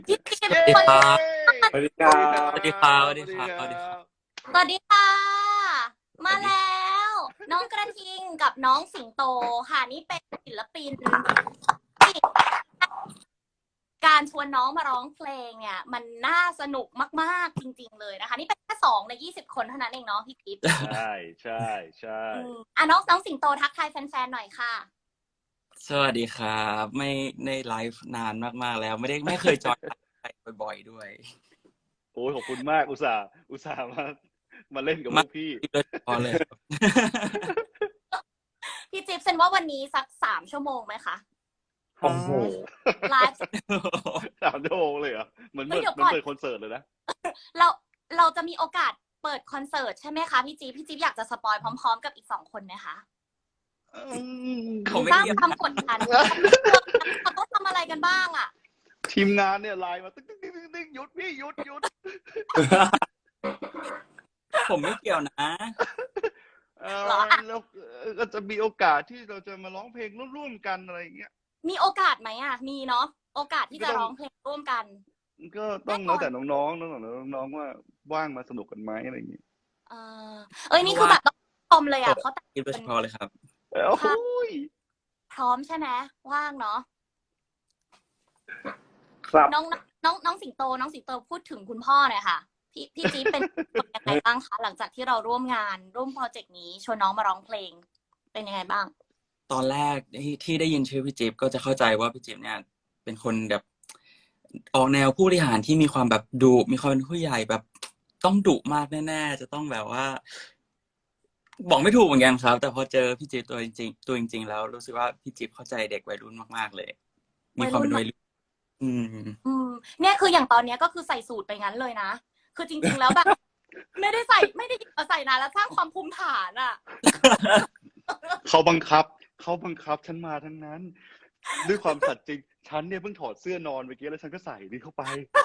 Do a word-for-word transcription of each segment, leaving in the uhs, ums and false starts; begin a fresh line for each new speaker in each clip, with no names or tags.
พี่จิ๊บ
เย้
คน
สวัสดีครั
สวัสดี
บ
ครับ
สวัสดีครับสวัสดีครับสวัสดีค่ะมาแล้วน้องกระทิงกับน้องสิงโตค่ะนี่เป็นศิลปินที่การชวนน้องมาร้องเพลงเนี่ยมันน่าสนุกมากๆจริงๆเลยนะคะนี่เป็นแค่สองในยี่สิบคนเท่านั้นเองเนาะพี่จิ๊บ
ใช่ใช่ใช่
อืมอ่ะน้องน้องสิงโตทักทายแฟนๆหน่อยค่ะ
สวัสดีครับไม่ในไลฟ์นานมากๆแล้วไม่ได้ไม่เคยจอยไลฟ์บ่อยๆด้วย
โอ้ยขอบคุณมากอุตส่าห์อุตส่าห์มามาเล่นกับพ
มาว
กพี่
โดยเฉพาะเลยครับ
พี่จิ๊บเซนว่าวันนี้สักสามชั่วโมงไหมคะ
โอ้โห
ไลฟ์
สามชั่วโมงเลยเหรอเหมือนเหมือน
เดี๋ยว
เหมือ
ก่อน
นเปิดคอนเสิร์ตเลยนะ
เราเราจะมีโอกาสเปิดคอนเสิร์ตใช่ไหมคะพี่จิ๊บพี่จิ๊บอยากจะสปอยพร้อมๆกับอีกสองคนไหมคะ
อืม
ผมไม่
สร้าง
เกี่ยว
ความกดดันเขาต้องทำอะไรกันบ้างอ่ะ
ทีมงานเนี่ยไลน์มาตึ๊กตึ๊กตึ๊กตึ๊กหยุดพี่หยุดหยุด
ผมไม่เกี่ยวนะ
เออแล้วก็จะมีโอกาสที่เราจะมาร้องเพลงร่วมๆกันอะไรอย่างเงี้ย
มีโอกาสไหมอ่ะมีเนาะโอกาสที่จะร้องเพลงร่วมกัน
ก็ต้องแล้วแต่น้องๆน้องๆน้องๆว่าว่างมาสนุกกันไหมอะไรอย่างเงี้ย
เออเอ้ยนี่คือแบบต้องชมเลยอ่ะเพราะแต่
โดยเฉพาะเลยครับ
โอ้โหย
พร้อมใช่ไหมว่างเนาะ
ครับ
น้องน้องน้องสิงโตน้องสิงโตพูดถึงคุณพ่อหน่อยค่ะพี่พี่จี๊บเป็นยังไงบ้างคะหลังจากที่เราร่วมงานร่วมโปรเจกต์นี้ชวนน้องมาร้องเพลงเป็นยังไงบ้าง
ตอนแรกที่ที่ได้ยินชื่อพี่จิ๊บก็จะเข้าใจว่าพี่จิ๊บเนี่ยเป็นคนแบบออกแนวผู้บริหารที่มีความแบบดุมีความเป็นผู้ใหญ่แบบต้องดุมากแน่ๆจะต้องแบบว่า บอกไม่ถูกเหมือนกันครับ แต่พอเจอพี่จิ๊บตัวจริงๆตัวจริงๆแล้วรู้สึกว่าพี่จิ๊บเข้าใจเด็กวัยรุ่นมากๆเลย มีความเป็นวัยรุ่นอืม
อืมเนี่ยคืออย่างตอนเนี้ยก็คือใส่สูตรไปงั้นเลยนะคือจริงๆแล้วแบบ ไม่ได้ใส่ไม่ได้เอาใส่นานแล้วสร้างความภูมิฐานอ่ะ
เขาบังคับเขาบังคับฉันมาทั้งนั้น ด้วยความสัตย์จริง ฉันเนี่ยเพิ่งถอดเสื้อนอนเมื่อกี้แล้วฉันก็ใส่นี่เข้าไป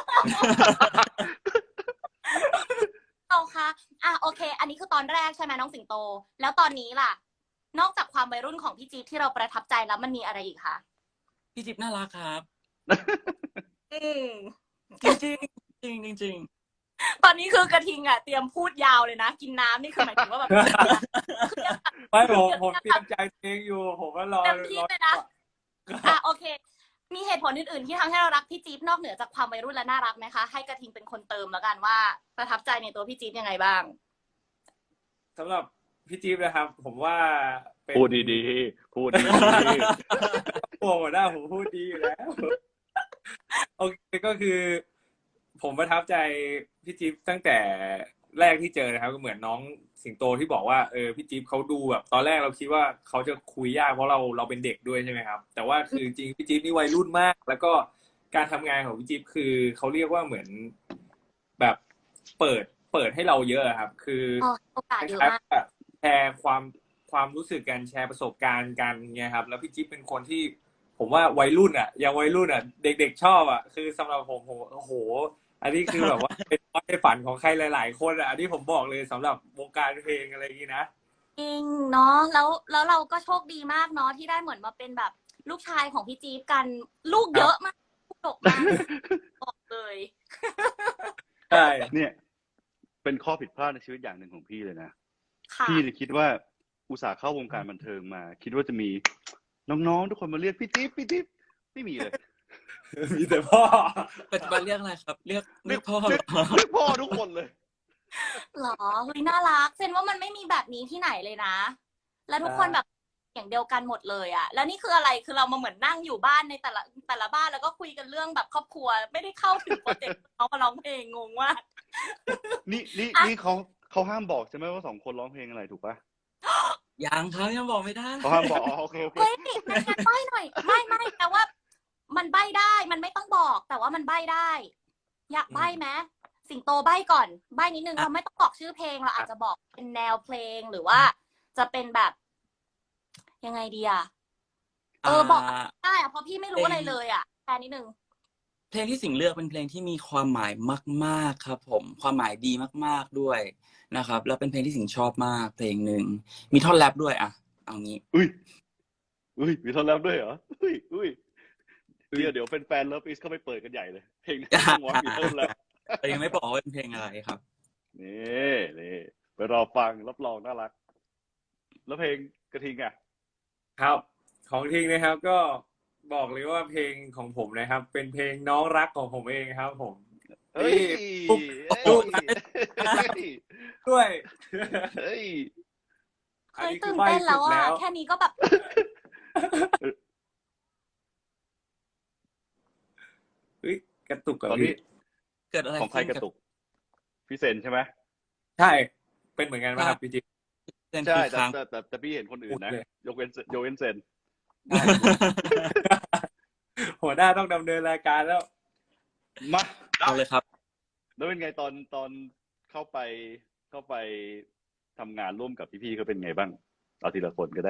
เอาค่ะอ่ะโอเค อันนี้คือตอนแรกใช่ไหมน้องสิงโต แล้วตอนนี้ล่ะ นอกจากความวัยรุ่นของพี่จี๊บที่เราประทับใจแล้วมันมีอะไรอีกคะ
พี่จิ๊บน่ารักครับ
อืม
จริงๆจริงๆจริง
ตอนนี้คือกระทิงอ่ะเตรียมพูดยาวเลยนะ กินน้ำนี่คือหมายถึงว่าแบบ
ไม่ผมผมเตรียมใจเพลงอยู่ผมก็รอ
เต็มที่
รอ
เลยนะอ่ะโอเค มีเหตุผลอื่นๆที่ทำให้เรารักพี่จี๊บนอกเหนือจากความวัยรุ่นและน่ารักไหมคะ ให้กระทิงเป็นคนเติมแล้วกันว่าประทับใจในตัวพี่จี๊บยังไงบ้าง
สำหรับพี่จี๊บนะครับ ผมว่าเป็น
พูดดีๆ พูดดี
โอ้โหหน้าผมพูดดีอยู่แล้ว โอเคก็คือ ผมประทับใจพี่จี๊บตั้งแต่แรกที่เจอนะครับ ก็เหมือนน้องสิงโตที่บอกว่าเออพี่จี๊บเขาดูแบบตอนแรกเราคิดว่าเขาจะคุยยากเพราะเราเราเป็นเด็กด้วยใช่ไหมครับ แต่ว่าคือจริงพี่จี๊บนี่วัยรุ่นมาก แล้วก็การทำงานของพี่จี๊บคือเขาเรียกว่าเหมือนแบบเปิดเปิดให้เราเยอะครับ คือ
อ๋อโอกาสเยอะมาก
แชร์ความความรู้สึกกันแชร์ประสบการณ์กันเงี้ยครับ แล้วพี่จิ๊บเป็นคนที่ ผมว่าวัยรุ่นอ่ะยังวัยรุ่นอ่ะ เด็กๆชอบอ่ะคือสำหรับผมผมโอ้โห อันนี้คือแบบว่า เป็นความฝันของใครหลายๆคนอ่ะอันนี้ผมบอกเลยสำหรับวงการเพลงอะไรอย่างนี้นะ
จริงเนาะแล้วแล้วเราก็โชคดีมากเนาะที่ได้เหมือนมาเป็นแบบลูกชายของพี่จี๊บกันลูกเยอะมากลูกดกมากบอกเลย
ใช่
ๆ เนี่ย เป็นข้อผิดพลาดในชีวิตอย่างหนึ่งของพี่เลยนะ
ค่ะ
พี่เนี่ยคิดว่าอุตส่าห์เข้าวงการบันเทิงมา คิดว่าจะมีน้องๆทุกคนมาเรียกพี่จิ๊บพี่จิ๊บไม่มีเลย
มีแต่พ่อ
ปัจจุบันเรียกอะไรครับ เรียกเรียกพ่อเหร
เรียก
อ
เรียกพ่อทุกคนเลย
หรอเฮ้ยน่ารักเซนว่ามันไม่มีแบบนี้ที่ไหนเลยนะ แล้วทุกคนแบบอย่างเดียวกันหมดเลยอะแล้วนี่คืออะไรคือเรามาเหมือนนั่งอยู่บ้านในแต่ละแต่ละบ้านแล้วก็คุยกันเรื่องแบบครอบครัว ไม่ได้เข้าถึงโปรเจกต์เขามาร้องเพลงงงว่าก
นี่นี่นี่เขาเขาห้ามบอกใช่ไหมว่าสองคนร้องเพลงอะไรถูกปะ
ยังครับยังบอกไม่ได้
เขาห้ามบอกอ๋อโอเคโอเค
เฮ้ยงั้นงั้นใบ้หน่อยไม่ไม่แต่ว่า มันใบ้ได้มันไม่ต้องบอก แต่ว่ามันใบ้ได้ อยากใบ้ไหมสิงโตใบ้ก่อนใบ้นิดนึงเราไม่ต้องบอกชื่อเพลงเราอาจจะบอกเป็นแนวเพลงหรือว่าจะเป็นแบบ ยังไงดีอะเออบอกได้อะเพราะพี่ไม่รู้อะไรเลยอะแค่นิดนึง
เพลงที่สิงห์เลือกเป็นเพลงที่มีความหมายมากๆครับ ผมความหมายดีมากๆด้วยนะครับ แล้วเป็นเพลงที่สิงห์ชอบมากเพลงหนึ่งมีท่อนแรปด้วยอ่ะเอางี้
อุ้ยอุ้ยมีท่อนแรปด้วยเหรออุ้ยอุ้ยเดี๋ยวเดี๋ยวเป็นแฟนเลิฟอีสก็ไปเปิดกันใหญ่เลยเพลงนี้ต้องวอล์กอยู่ต้นแล้ว
แต่ยังไม่บอกว่าเป็นเพลงอะไรครับ
นี่นี่ไปรอฟังรับรองน่ารัก แล้วเพลงกระทิงอ่ะ
ครับ ของทิ้งนะครับ ก็บอกเลยว่าเพลงของผมนะครับ เป็นเพลงน้องรักของผมเองครับ ผม
เฮ้ย
ปุ๊บ
เฮ้ย
ปุ๊บ
เฮ้ย
ด้วย
เฮ้ย
เคยตื่นเต้นแล้วอ่ะแค่นี้ก็แบบ
เฮ้ยกระตุกกับ
ตอนนี้
พี่
เกิดอะไร
ของใครกระตุก พี่เซนใช่ไหม
ใช่ เป็นเหมือนกันไหมครับพี่จิ๊บ
เส้น
ใช่
คือ
แต่
ค้าง
แต่แต่แต่พี่เห็นคนอื่นนะ
พูดเลย
ยกเว้นยกเว้นเซน
หัวหน้าต้องดำเนินรายการแล้ว
มา
เอาเลยครับ
แล้วเป็นไงตอนตอนเข้าไปเข้าไปทำงานร่วมกับพี่ๆเขาเป็นไงบ้าง เอาทีละคนก็ได้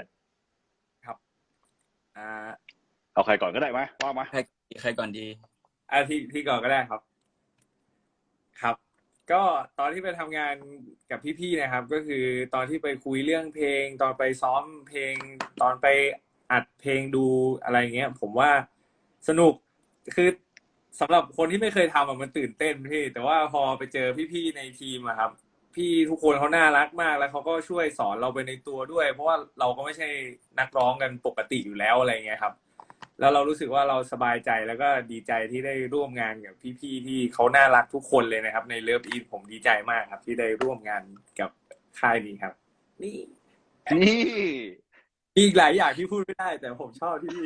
อ่า
เอาใครก่อนก็ได้ไหมว่ามา
ใครใครก่อนดี
อาที่ที่ก่อนก็ได้ครับ ครับ ก็ตอนที่ไปทำงานกับพี่ๆนะครับ ก็คือตอนที่ไปคุยเรื่องเพลง ตอนไปซ้อมเพลง ตอนไปอัดเพลงดูอะไรเงี้ย ผมว่าสนุกคือสำหรับคนที่ไม่เคยทำอะมันตื่นเต้นพี่ แต่ว่าพอไปเจอพี่ๆในทีมอะครับ พี่ทุกคนเขาน่ารักมากแล้วเขาก็ช่วยสอนเราไปในตัวด้วย เพราะว่าเราก็ไม่ใช่นักร้องกันปกติอยู่แล้วอะไรเงี้ยครับ แล้วเรารู้สึกว่าเราสบายใจแล้วก็ดีใจที่ได้ร่วมงานกับพี่ๆที่เขาน่ารักทุกคนเลยนะครับ ในเลิฟอีทผมดีใจมากครับ ที่ได้ร่วมงานกับค่ายนี้ครับ นี่
นี่
มีอีกหลายอย่างที่พูดไม่ได้ แต่ผมชอบที่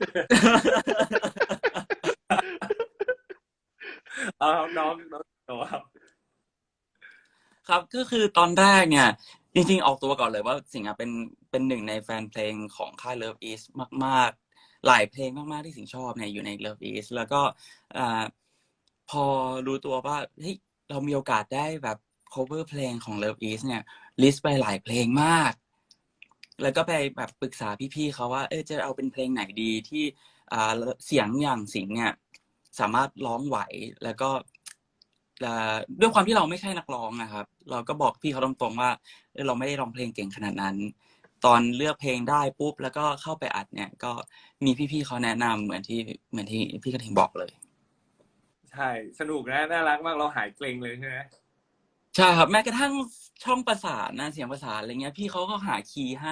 เอาครับน้องน้องโตครับ
ครับก็คือตอนแรกเนี่ย จริงๆออกตัวก่อนเลยว่าสิงห์อะเป็นเป็นหนึ่งในแฟนเพลงของค่าย Love East มากๆ หลายเพลงมากๆที่สิงห์ชอบเนี่ยอยู่ใน Love East แล้วก็อ่าพอรู้ตัวว่าเฮ้ยเรามีโอกาสได้แบบ cover เพลงของ Love East เนี่ยลิสต์ไปหลายเพลงมาก แล้วก็ไปแบบปรึกษาพี่ๆเขาว่าเออจะเอาเป็นเพลงไหนดีที่อ่าเสียงอย่างสิงห์เนี่ยสามารถร้องไหวแล้วก็อ่าด้วยความที่เราไม่ใช่นักร้องนะครับ เราก็บอกพี่เขาตรงๆว่าเออเราไม่ได้ร้องเพลงเก่งขนาดนั้น ตอนเลือกเพลงได้ปุ๊บแล้วก็เข้าไปอัดเนี่ย ก็มีพี่ๆเขาแนะนำเหมือนที่เหมือนที่พี่กระทิงบอกเลย
ใช่ สนุกนะน่ารักมากเราหายเกรงเลยใช่ไหม
ใช่ครับแม้กระทั่งช่องประสานนะเสียงประสานอะไรเงี้ยพี่เขาก็หาคีย์ให้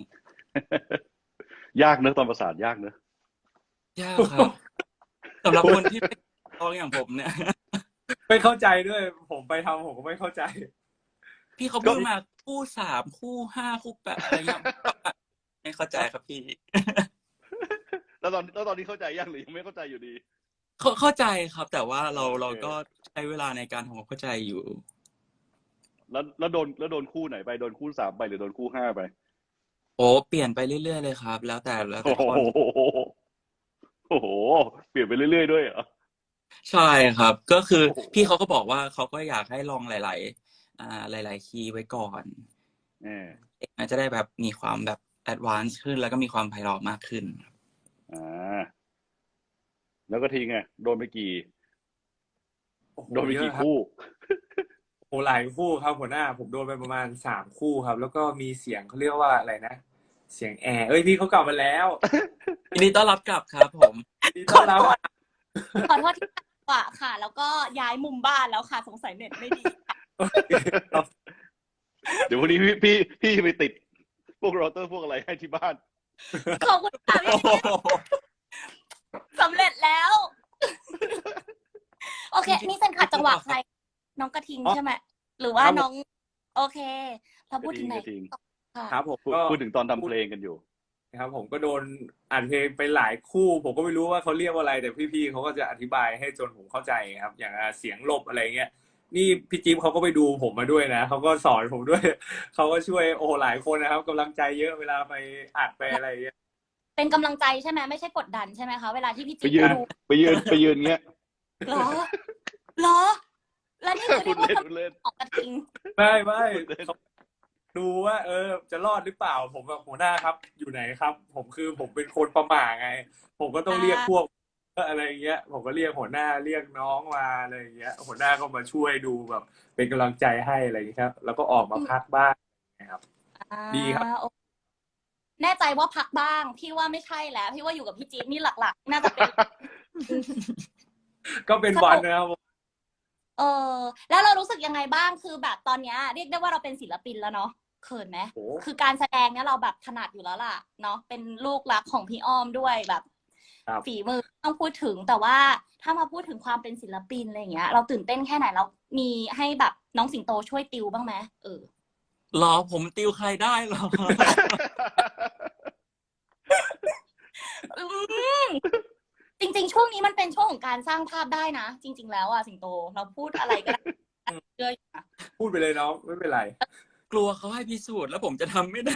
ยากเนอะตอนประสานยากเนอะ
ยากครับสำหรับคนที่เป็นร้องอย่างผมเนี่ย
ไม่เข้าใจด้วย ผมไปทำผมก็ไม่เข้าใจ
พี่เขาพูดมาคู่สามคู่ห้าคู่แปดอะไรเงี้ยไม่เข้าใจครับพี่
แล้วตอนแล้วตอนนี้เข้าใจยังหรือยังไม่เข้าใจอยู่ดี
เข้าเข้าใจครับ แต่ว่าเรา
โอเค
เราก็ใช้เวลาในการทำความเข้าใจอยู่
แล้วแล้วโดนแล้วโดนคู่ไหนไปโดนคู่สามไปหรือโดนคู่ห้าไป
โอ้เปลี่ยนไปเรื่อยๆเลยครับ แล้วแต่แล้ว
โอ้
แต่
โห
คน
โอ้โหเปลี่ยนไปเรื่อยๆด้วยเหรอ
ใช่ครับ ก็คือ
โอ้โห
พี่เขาก็บอกว่าเขาก็อยากให้ลองหลาย ๆ อ่าหลาย ๆ คีย์ไว้ก่อน
เออ
มันจะได้แบบมีความแบบแอดวานซ์ขึ้นแล้วก็มีความไพเราะมากขึ้น
อ่าแล้วก็ทีไงโดนไปกี่
โอ้โห
โดนไป
เย
กี่
อะครับ
คู่
โอ้หลายคู่ครับหัวหน้า ผมโดนไปประมาณสามคู่ครับ แล้วก็มีเสียงเขาเรียกว่าอะไรนะ เสียงแอร์เอ้ยพี่เขากลับมาแล้ว
ยินดีต้อนรับกลับครับผม
ดีต้อนรับ
ขอโทษที่กว่าค่ะ แล้วก็ย้ายมุมบ้านแล้วค่ะ สงสัยเน็ตไม่ดีค่ะ
เดี๋ยววันนี้พี่พี่พี่ไปติดพวกเราเตอร์พวกอะไรให้ที่บ้าน
ขอบคุณค่ะพี่จิ๊บสำเร็จแล้ว โอเค นี่เซนขัดจังหวะใคร น้องกระทิงใช่ไหมหรือว่าน้อง โอเค เราพูดถึงไหน
กระทิง
ค่ะ
ครับผม
พูด
ก็
พูดถึงตอนทำเพลงกันอยู่
ครับผมก็โดนอัดเพลงไปหลายคู่ ผมก็ไม่รู้ว่าเขาเรียกว่าอะไร แต่พี่ๆเขาก็จะอธิบายให้จนผมเข้าใจครับ อย่างเสียงหลบอะไรเงี้ยนี่พี่จิ๊บเขาก็ไปดูผมมาด้วยนะเขาก็สอนผมด้วยเขาก็ช่วยโอ้หลายคนนะครับกำลังใจเยอะเวลาไปอัดไปอะไรเงี้ย
เป็นกำลังใจใช่ไหมไม่ใช่กดดันใช่ไหมคะเวลาที่พี่
ไป
จิ๊บ
ยืน
ดู
ไปยืนไปยืนเงี้ย
เหรอเหรอ แล้วนี่คือ
พู
ที่
ด
พูด
เล่นพูดเล่น
ออกกระทิง
ไม่ไม่เขาดูว่า เออ จะรอดหรือเปล่า ผมแบบหัวหน้าครับ อยู่ไหนครับ ผมคือผมเป็นคนประหม่าไง ผมก็ต้องเรียกพวกอะไรเงี้ย ผมก็เรียกหัวหน้าเรียกน้องมาอะไรเงี้ย หัวหน้าก็มาช่วยดูแบบ เป็นกำลังใจให้อะไรอย่างเงี้ยครับ แล้วก็ออกมาพักบ้างนะครับ ดีครับ
อ่าโอแน่ใจว่าพักบ้างพี่ว่าไม่ใช่แล้วพี่ว่าอยู่กับพี่จี๊บนี่หลักๆน่าจะเป็น
ก็เป็นวันนะครับผม
เออแล้วเรารู้สึกยังไงบ้างคือแบบตอนเนี้ยเรียกได้ว่าเราเป็นศิลปินแล้วเนาะเขินไหม
โอ้
คือการแสดงเนี้ยเราแบบถนัดอยู่แล้วล่ะเนาะเป็นลูกรักของพี่อ้อมด้วยแบบ
ครับ
ฝีมือต้องพูดถึงแต่ว่าถ้ามาพูดถึงความเป็นศิลปินอะไรอย่างเงี้ย เราตื่นเต้นแค่ไหนเรามีให้แบบน้องสิงโตช่วยติวบ้างไหมเออ
หรอผมติวใครได้หรอ
อืมจริงๆช่วงนี้มันเป็นช่วงของการสร้างภาพได้นะจริง ๆ แล้วอะสิงโตเราพูดอะไรก็ได้เชื่ออยู่นะ
พูดไปเลยเนาะไม่เป็นไร
กลัวเขาให้พิสูจน์แล้วผมจะทำไม่ได้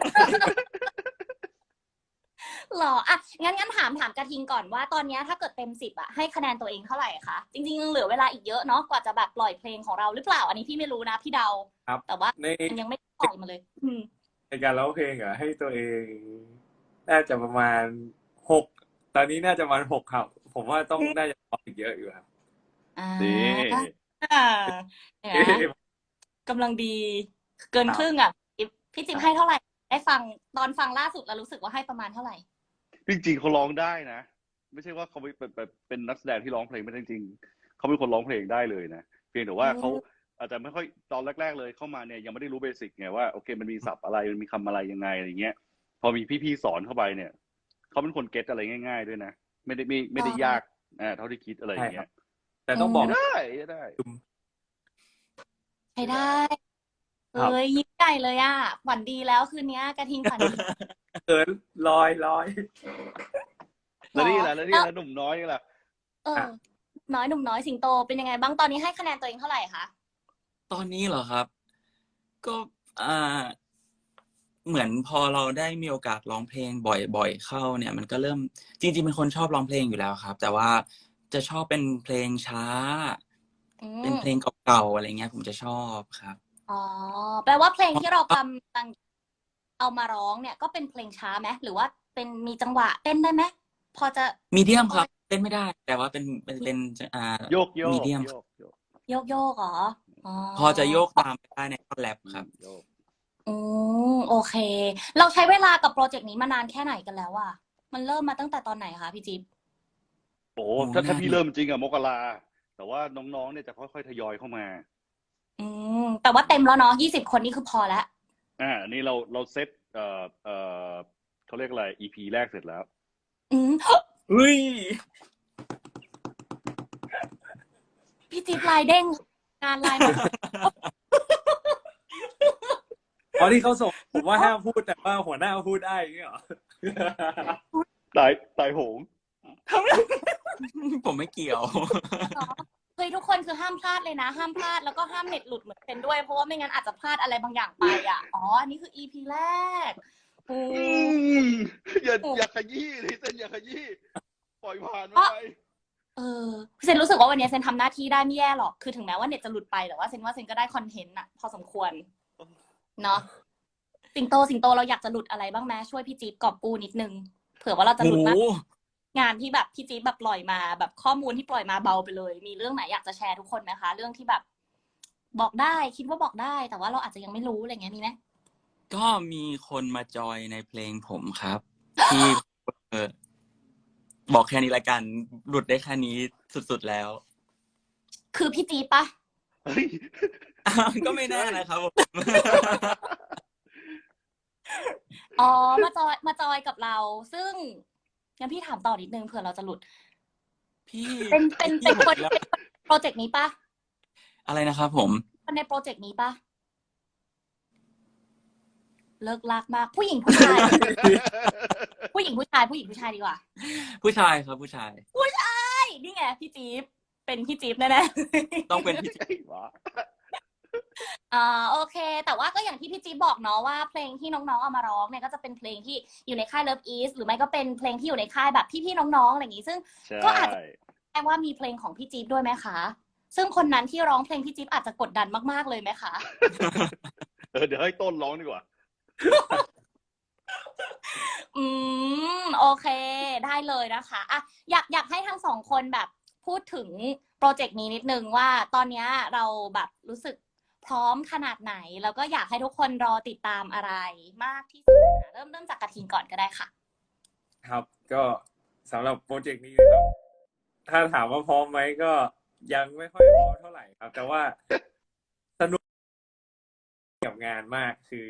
หรออ่ะงั้นงั้นถามถามกระทิงก่อนว่าตอนเนี้ยถ้าเกิดเต็มสิบอะให้คะแนนตัวเองเท่าไหร่คะจริงๆยังเหลือเวลาอีกเยอะเนาะกว่าจะแบบปล่อยเพลงของเราหรือเปล่า อันนี้พี่ไม่รู้นะพี่เดา
ครับ
แต่ว่า
ใน
มันยังไม่ปล่อยมาเลย อืม
ในการร้องเพลงอะให้ตัวเองน่าจะประมาณหกตอนนี้น่าจะประมาณหกครับ ผมว่าต้องน่าจะร้องอีกเยอะอยู่ครับ
อ่า
นี่
อ่าเนี่ยนะกำลังดีเกินครึ่งอ่ะพี่จิ๊บให้เท่าไหร่ได้ฟังตอนฟังล่าสุดแล้วรู้สึกว่าให้ประมาณเท่าไหร่
จริงๆเขาร้องได้นะ ไม่ใช่ว่าเขาเป็นเป็นเป็นเป็นนักแสดงที่ร้องเพลงไม่ได้จริงๆเขาเป็นคนร้องเพลงได้เลยนะเพียงแต่ว่า
อืม
เขาอาจจะไม่ค่อยตอนแรกๆเลยเข้ามาเนี่ยยังไม่ได้รู้เบสิกไงว่าโอเคมันมีศัพท์อะไรมันมีคำอะไรยังไงอะไรเงี้ย พอมีพี่ๆสอนเข้าไปเนี่ยเขาเป็นคนเก็ตอะไรง่าย ๆด้วยนะไม่ได้ไม่ไม่ได้ยากอ่าเท่าที่คิดอะไรอย่างเงี้ย
แต่ต้องบอก
ได้ได้
ใช้ได้
ครับ
เอ้ยยิ้มใหญ่เลยอ่ะฝันดีแล้วคืนนี้กระทิงฝันดี
เขินลอยลอย
แล้วนี่แหละแล้วนี่
แล้ว
แหละหนุ่มน้อยนี่แหละ
เออ น้อยหนุ่มน้อยสิงโตเป็นยังไงบ้างตอนนี้ให้คะแนนตัวเองเท่าไหร่คะ
ตอนนี้เหรอครับ ก็อ่า เหมือนพอเราได้มีโอกาสร้องเพลงบ่อยๆเข้าเนี่ย มันก็เริ่มจริงๆเป็นคนชอบร้องเพลงอยู่แล้วครับ แต่ว่าจะชอบเป็นเพลงช้า
อื
เป็น
ม
เพลงเก่าๆอะไรเงี้ย ผมจะชอบครับ
อ๋อแปลว่าเพลงที่เรากำลังเอามาร้องเนี่ยก็เป็นเพลงช้าไหมหรือว่าเป็นมีจังหวะเต้นได้ไหมพอจะ
มีเดียมครับเต้นไม่ได้ แต่ว่าเป็นเป็นเป็นอ่า
โยกโยก
มีเดียม
โยกโยก
โยกโยกเหรออ๋อ
พอจะโยกตามไปได้ในท่อนแรปครับ
โยก
อืมโอเค เราใช้เวลากับโปรเจกต์นี้มานานแค่ไหนกันแล้วอะมันเริ่มมาตั้งแต่ตอนไหนคะพี่จิ๊บ
โอ้
โอ้
ถ้าถ้า
น่า
พี่เริ่มจริงอะมกราแต่ว่าน้องๆเนี่ยจะค่อยๆทยอยเข้ามา
อืมแต่ว่าเต็มแล้วเนาะยี่สิบคนนี่คือพอแล้ว
อ่าอันนี้เราเราเซตเอ่อเอ่อเขาเรียกอะไร อี พี แรกเสร็จแล้ว
อืม
อุ้ย
พี่จิ๊บลายเด้งงานลายมา
ตอนที่เขาส่งผมว่าห้ามพูดแต่ว่าหัวหน้าพูดได้อย่างเงี้ยเหรอ
ตายตายโหง
ผมไม่เกี่ยว
เฮ้ยทุกคนคือห้ามพลาดเลยนะ ห้ามพลาดแล้วก็ห้ามเน็ตหลุดเหมือนเป็นด้วยเพราะว่าไม่งั้นอาจจะพลาดอะไรบางอย่างไปอ่ะอ๋ออันนี้คือ อี พี แรกโอ้
อืมอย่าอย่าขยี้เลยเซนอย่าขยี้ปล่อยผ่านมันไป
เออเซนรู้สึกว่าวันนี้เซนทำหน้าที่ได้ไม่แย่หรอกคือถึงแม้ว่าเน็ตจะหลุดไปแต่ว่าเซนว่าเซนก็ได้คอนเทนต์อะพอสมควรเนาะสิงโตสิงโตเราอยากจะหลุดอะไรบ้างไหมช่วยพี่จี๊บกอบกู้นิดนึงเผื่อว่าเราจะหลุดมาก
โอ้
งานที่แบบพี่จี๊บแบบปล่อยมาแบบข้อมูลที่ปล่อยมาเบาไปเลย มีเรื่องไหนอยากจะแชร์ทุกคนไหมคะ เรื่องที่แบบ บอกได้คิดว่าบอกได้ แต่ว่าเราอาจจะยังไม่รู้อะไรเงี้ยมีไหม
ก็มีคนมาจอยในเพลงผมครับ ที่เออบอกแค่นี้ละกัน หลุดได้แค่นี้สุดๆแล้ว
คือพี่จี๊บปะ
เฮ้ย
ก็ไม่แน่นะครับผม
อ๋อมาจอยมาจอยกับเรา ซึ่งงั้นพี่ถามต่อนิดนึงเผื่อเราจะหลุด
พี่
เป็นเป็นเป็นคน
แล้ว
เป็นโปรเจกต์นี้ปะ
อะไรนะครับผม
คนในโปรเจกต์นี้ปะเลิกลากมาก ผู้หญิงผู้ชาย ผู้หญิงผู้ชาย ผู้หญิงผู้ชายดีกว่า
ผู้ชายครับผู้ชาย
ใช่นี่ไงพี่จี๊บเป็นพี่จี๊บแน่ๆ
ต้องเป็นพี่
ไอ้หวะ
อ่าโอเค แต่ว่าก็อย่างที่พี่จี๊บบอกเนาะว่าเพลงที่น้องๆเอามาร้องเนี่ยก็จะเป็นเพลงที่อยู่ในค่าย Love East หรือไม่ก็เป็นเพลงที่อยู่ในค่ายแบบพี่ๆน้องๆอะไรอย่างงี้ซึ่ง
ใช่
ก็อาจจะ แปลว่ามีเพลงของพี่จี๊บด้วยไหมคะ ซึ่งคนนั้นที่ร้องเพลงพี่จี๊บอาจจะกดดันมากๆเลยไหมคะ
เออเดี๋ยวให้ต้นร้องดีกว่า
อืมโอเค ได้เลยนะคะอ่ะอยากอยากให้ทั้งสองคนแบบพูดถึงโปรเจกต์นี้นิดนึงว่าตอนเนี้ยเราแบบรู้สึกพร้อมขนาดไหน แล้วก็อยากให้ทุกคนรอติดตามอะไรมากที่สุดนะเริ่มเริ่มจากกระทิงก่อนก็ได้ค่ะ
ครับ ก็สำหรับโปรเจกต์นี้นะครับ ถ้าถามว่าพร้อมไหมก็ยังไม่ค่อยพร้อมเท่าไหร่ครับ แต่ว่าสนุกกับงานมากคือ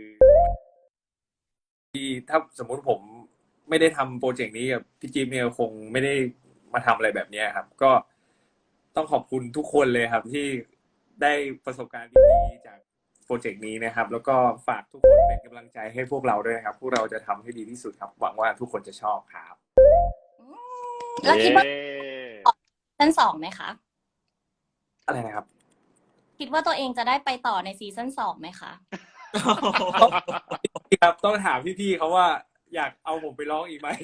ที่ถ้าสมมุติผมไม่ได้ทำโปรเจกต์นี้กับพี่จิ๊บเนี่ยคงไม่ได้มาทำอะไรแบบนี้ครับ ก็ต้องขอบคุณทุกคนเลยครับ ที่ได้ประสบการณ์ดีๆจากโปรเจกต์นี้นะครับ แล้วก็ฝากทุกคนเป็นกำลังใจให้พวกเราด้วยนะครับ พวกเราจะทำให้ดีที่สุดครับ หวังว่าทุกคนจะชอบครับ
อืมแล้วคิดว่า
เย้
ซีซั่นสองไหมคะ
อะไรนะครับ
คิดว่าตัวเองจะได้ไปต่อในซีซั่นสองไหมคะ
ครับต้องถามพี่ๆเขาว่าอยากเอาผมไปร้องอีกไหม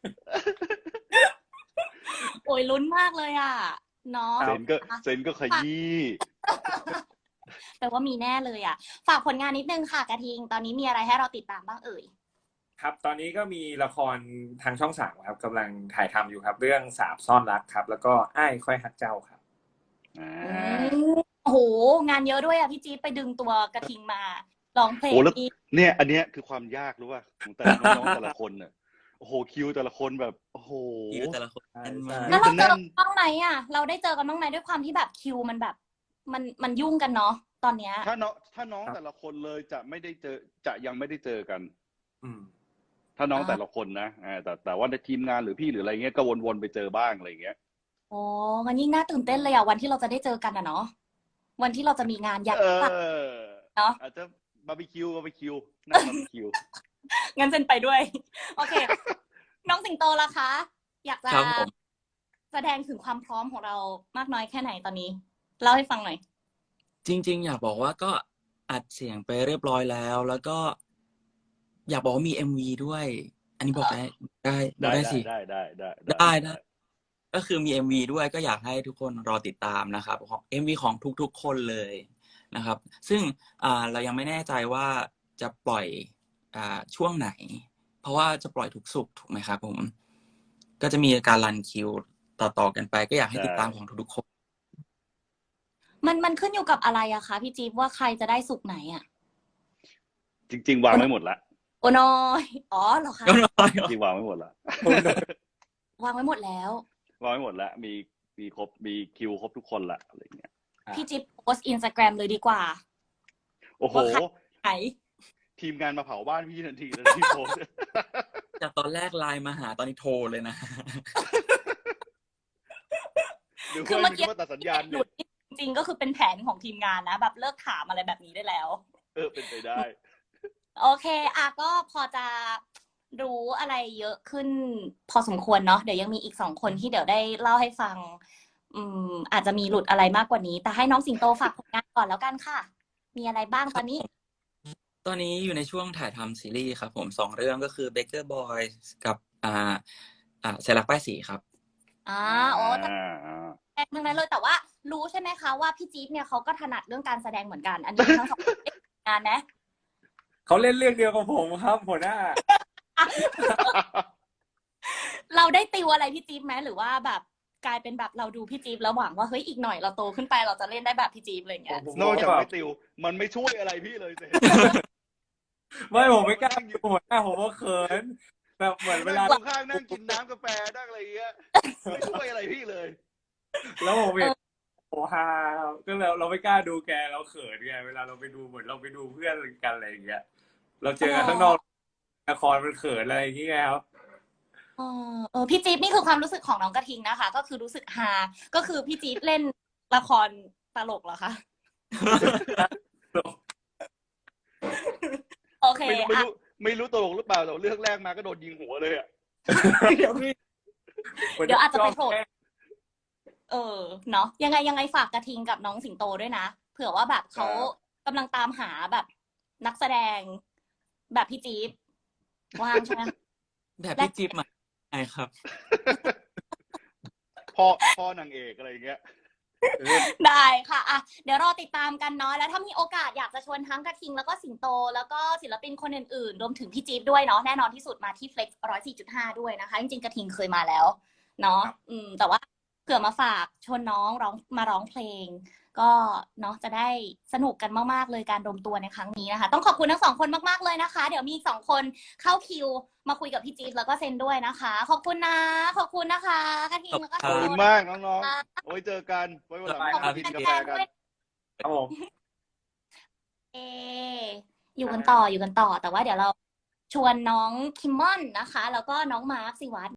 โอ้ยลุ้นมากเลยอ่ะเนาะ
เซนก็เซนก็ขยี้
แปลว่ามีแน่เลยอ่ะ ฝากผลงานนิดนึงค่ะกระทิง ตอนนี้มีอะไรให้เราติดตามบ้างเอ่ย
ครับ ตอนนี้ก็มีละครทางช่องสามครับกำลังถ่ายทำอยู่ครับ เรื่องสาบซ่อนรักครับ แล้วก็อ้ายค่อยฮักเจ้าครับ
อ่า
อืมโอ้โห งานเยอะด้วยอ่ะพี่จี๊ดไปดึงตัวกระทิงมาร้องเพลง
โอ้แล้ว
อีก
เนี่ย อันเนี้ยคือความยากรู้ป่ะของแต่ละน้องๆแต่ละคนเนี่ยโอ้โหคิวแต่ละคนแบบโอ้โห
คิวแต่ละคน
ใช่
แน่น
ใช่
มาก
แล้วเราเจอ
แน่น
บ้างไหมอ่ะ เราได้เจอกันบ้างไหมด้วยความที่แบบคิวมันแบบ มันมันยุ่งกันเนาะตอนเนี้ย
ถ้าน้องถ้าน้องแต่ละคนเลยจะไม่ได้เจอจะยังไม่ได้เจอกัน
อืม
ถ้าน้อง
อ่า
แต่ละคนนะอ่าแต่แต่ว่าในทีมงานหรือพี่หรืออะไรเงี้ยก็วนๆไปเจอบ้างอะไรเงี้ย
โอ้มันยิ่งน่าตื่นเต้นเลยอ่ะวันที่เราจะได้เจอกันอ่ะเนาะวันที่เราจะมีงานใหญ่
เอ
มาก
อ
เนาะ
อาจจะบาร์บีคิวบาร์บีคิวนั่งบาร์บีคิว
งั้นเซนไปด้วย โอเค น้องสิงโตล่ะคะ อยากจะ
ครับผม
แสดงถึงความพร้อมของเรามากน้อยแค่ไหนตอนนี้เล่าให้ฟังหน่อย
จริง ๆ อยากบอกว่าก็อัดเสียงไปเรียบร้อยแล้ว แล้วก็ อยากบอกว่ามี เอ็ม วี ด้วย อันนี้บอกได้ได้บอ
ได้
กได้
ได้
สิ
ได้ได้ได้
ได้ได้ ก็คือมี เอ็ม วี ด้วยก็อยากให้ทุกคนรอติดตามนะครับของ เอ็ม วี ของทุกๆ คนเลยนะครับ ซึ่งอ่าเรายังไม่แน่ใจว่าจะปล่อยอ่าช่วงไหน เพราะว่าจะปล่อยทุกศุกร์ถูกไหมครับผม ก็จะมีการรันคิวต่อๆกันไป ก็อยากให้ติดตามของทุกๆคน
มันมันขึ้นอยู่กับอะไรอะคะพี่จี๊บว่าใครจะได้สุกไหนอะ
จริง ๆ วางไว้หมดละ
โอ้น้อยอ๋อเหรอคะ
ก็น้อย
จริงๆวางไว้หมดละ
วางไว้หมดแล้ว
วางไว้หมดละมีมีครบมีคิวครบทุกคนละอะไรเงี้ย
อ่า
พี่จิ๊บโพสอินสตาแกรมเลยดีกว่า
โอ้โห
ว่าใคร ไหน
ทีมงานมาเผาบ้านพี่ทันทีเลยที่โพสต์
จากตอนแรกไลน์มาหาตอนนี้โทรเลยนะ
หรือ
คือ
ว่า
เมื่อกี้
ว่าตัดสัญญาณ
ห
เนี่
ลุ
ย
ดจริงๆก็คือเป็นแผนของทีมงานนะ แบบเลิกถามอะไรแบบนี้ได้แล้ว
เออเป็นไปได้
โอเคอ่ะก็พอจะรู้อะไรเยอะขึ้นพอสมควรเนาะเดี๋ยวยังมีอีกสองคนที่เดี๋ยวได้เล่าให้ฟัง อืม อาจจะมีหลุดอะไรมากกว่านี้ แต่ให้น้องสิงโตฝากผลงานก่อนแล้วกันค่ะ มีอะไรบ้างตอนนี้
ตอนนี้อยู่ในช่วงถ่ายทำซีรีส์ครับผมสองเรื่องก็คือ Baker Boys กับอ่าอ่าเซรักป้ายสีครับ
อ่าโอ้
อ่าอ่า
แสดงทั้งนั้นเลยแต่ว่ารู้ใช่ไหมคะว่าพี่จี๊บเนี่ยเขาก็ถนัดเรื่องการแสดงเหมือนกัน อันนี้ทั้งสองคนได้งานนะ
เขาเล่นเรื่องเดียวกับผมครับหัวหน้า
เราได้ติวอะไรพี่จี๊บไหมหรือว่าแบบกลายเป็นแบบเราดูพี่จี๊บแล้วหวังว่าเฮ้ยอีกหน่อยเราโตขึ้นไปเราจะเล่นได้แบบพี่จี๊บอะไรอย่างเงี้ย
ผม
นอกจาก
แบบ
ไม่ติว มันไม่ช่วยอะไรพี่เลยเสร็จ
ไม่ผมไม่กล้าอยู่หัวหน้าผมว่าเขินแบบเหมือนเวลา
นั่งข้างๆนั่งกินน้ำกาแฟนั่งอะไรเงี้ยไม่ช่วยอะไรพี่เลย
แล้วผมเห็นโอ้ฮาก็เราเราไม่กล้าดูแกเราเขินไงเวลาเราไปดูเหมือนเราไปดูเพื่อนกันอะไรอย่างเงี้ยเราเจอกันข้างนอกละครมันเขินอะไรอย่างเงี้ยครับ
เออเออพี่จี๊บนี่คือความรู้สึกของน้องกระทิงนะคะ ก็คือรู้สึกฮาก็คือพี่จี๊บเล่นละครตลกเหรอคะ โอเค
ไม่รู้ไม่
อ่ะ
รู้ไม่รู้ตลกหรือเปล่าแต่เรื่องแรกมาก็โดนยิงหัวเลยอ่ะ
เดี๋ยวเดี๋ยวอาจจะไปโผล่เออเนาะยังไงยังไงฝากกระทิงกับน้องสิงโตด้วยนะเผื่อว่าแบบเขากำลังตามหาแบบนักแสดง แบบพี่จี๊บว่างใช่ไหม
แบบพี่จิ๊บมาใช่ครับ
พ่อพ่อนางเอกอะไรเงี้ย
ได้ค่ะอ่ะ เดี๋ยวรอติดตามกันเนาะ แล้วถ้ามีโอกาสอยากจะชวนทั้งกระทิงแล้วก็สิงโต แล้วก็ศิลปินคนอื่นๆ รวมถึงพี่จี๊บด้วยเนาะ แน่นอนที่สุดมาที่ Flex หนึ่งร้อยสี่จุดห้า ด้วยนะคะ จริงๆ กระทิงเคยมาแล้ว เนาะ อืม แต่ว่าผื่อมาฝากชวนน้องร้องมาร้องเพลง ก็เนาะจะได้สนุกกันมากๆเลยการรวมตัวในครั้งนี้นะคะ ต้องขอบคุณทั้งสองคนมากๆเลยนะคะ เดี๋ยวมีอีกสองคนเข้าคิวมาคุยกับพี่จี๊ดแล้วก็เซนด้วยนะคะ ขอบคุณนะขอบคุณนะคะกระทิงแล้วก็
ขอบคุณมากน้องๆ โอ้ยเจอกัน ไว้วันหลัง
ขอบ
มา
คุ
กิ
ณ
นกา
แฟ
แฟ
นๆ
กัน
ด้วย
ครับผม
เออยู่กันต่ออยู่กันต่อ แต่ว่าเดี๋ยวเราชวนน้องคิมมอนนะคะ แล้วก็น้องมาร์คสิวัตร